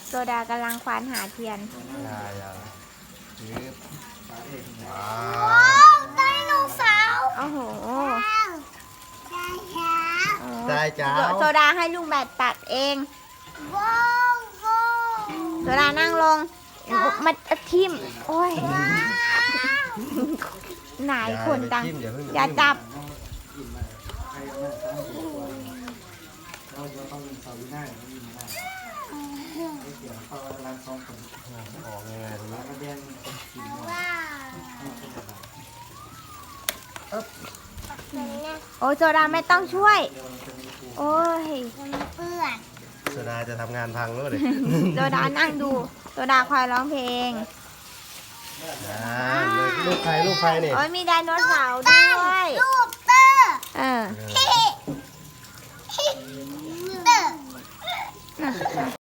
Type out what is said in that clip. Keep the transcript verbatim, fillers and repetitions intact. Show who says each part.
Speaker 1: โซดากำลังควานหาเทียน
Speaker 2: ยายายืบว้า
Speaker 3: ว้าวไดโนเสาร์
Speaker 1: โอ้โห
Speaker 3: ได้ครับ
Speaker 2: ได้จ้า
Speaker 1: โซดาให้ลุงแบดตัดเอง
Speaker 3: ว้าวว้าว
Speaker 1: โซดานั่งลงมันทิ่มโอ้ยไหนคนตังอย่าจับ
Speaker 4: เราจะต้องเสาหน้าอย่างนี้ไม่ได้ไม่เกี่ยวเขาร้านซ้อมคน
Speaker 2: ออกยังไงตรงนี้
Speaker 4: ร้านกระเบียงคนขี่มอ
Speaker 3: ว้าว
Speaker 1: โอ้ยโซดาไม่ต้องช่วย โอ้ย
Speaker 3: มันเปื้อน
Speaker 2: โซดาจะทำงานพังแล้วเลย
Speaker 1: โซดานั่งดูโซดาคอยร้องเพลง
Speaker 2: อ่าลูกใครลูกใครเนี่ย
Speaker 1: โอ้ยมีไดโนเสาร์ด้วย
Speaker 3: รูปเตอร์
Speaker 1: เออ
Speaker 3: เฮ้เฮ้เตอร์